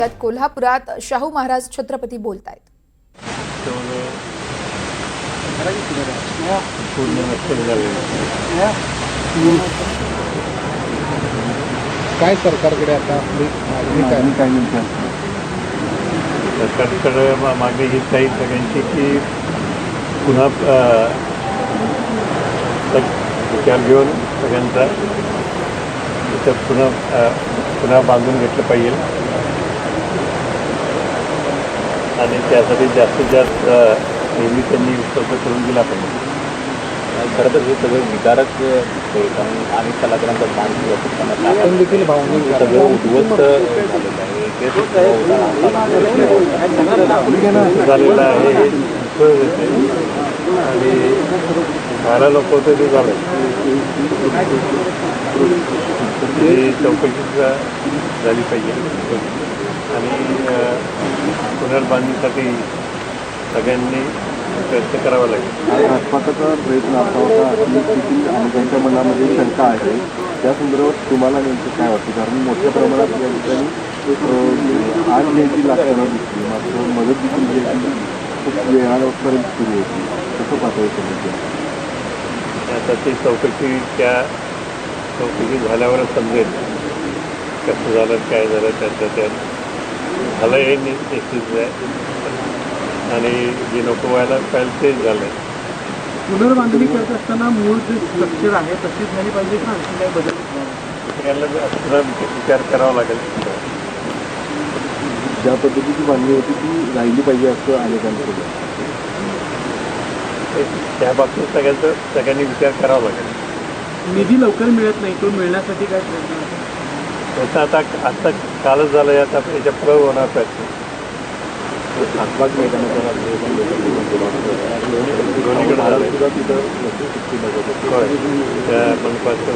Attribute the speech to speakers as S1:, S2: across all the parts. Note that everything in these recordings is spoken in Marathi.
S1: त्यात कोल्हापुरात शाहू महाराज छत्रपती बोलतायत।
S2: काय सरकारकडे आता मागणी काय म्हणतात?
S3: सरकारकडे मागणी हीच आहे सगळ्यांची की पुन्हा विचार घेऊन सगळ्यांचा इथं पुन्हा बांधून घेतलं पाहिजे आणि त्यासाठी जास्तीत जास्त नेहमी त्यांनी उपलब्ध करून दिला पाहिजे।
S4: खरं तर हे सगळं विकारक कारण अनेक कलाकारांचा मान
S2: देखील भावनिक
S4: सगळं उद्ध्वस्त झालेलं आहे।
S3: झालेलं आहे हे दिसून येते आणि व्हायला नको होतं ते झालं। ही चौकशी झाली पाहिजे आणि पुनर्बांधणीसाठी सगळ्यांनी प्रयत्न करावा लागेल।
S4: घातपाताचा प्रयत्न असा होता देखील अनेकांच्या मनामध्ये शंका आहे। त्या संदर्भात तुम्हाला नेमकं काय वाटतं? कारण मोठ्या प्रमाणात या ठिकाणी आग घ्यायची लागताना दिसली, मात्र मदत देखील घ्यायची खूप वेळापर्यंत सुरू होती। कसं पाहता येतं?
S3: आता ती चौकशी झाल्यावरच समजेल कसं झालं काय झालं त्यात झालं हे निश्चित आहे आणि जे नको व्हायला पाहिजे तेच झालं।
S2: पुनर्बांधणी करत असताना मूळ जे स्ट्रक्चर आहे तशीच झाली पाहिजे का आणखी काय बदल?
S3: याला विचार करावा लागेल।
S4: ज्या पद्धतीची बांधणी होती ती राहिली पाहिजे असं अनेकांचं
S3: त्या बाबतीत सगळ्यांनी विचार करावा लागेल।
S2: निधी लवकर मिळत नाही, तो मिळण्यासाठी काय प्रयत्न आहे?
S3: त्याचा आता कालच झालं, आता याच्या पुढे होणार प्रयत्न।
S4: खासबाग मैदानाचा
S3: त्या मनपाचं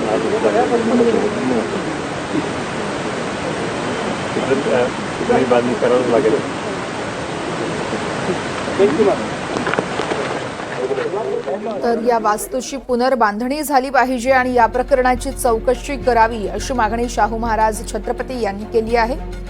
S3: तिकडे बांधणी करावंच लागेल।
S1: तर या वास्तूची पुनर्बांधणी झाली पाहिजे आणि या प्रकरणाची चौकशी करावी अशी मागणी शाहू महाराज छत्रपती यांनी केली आहे।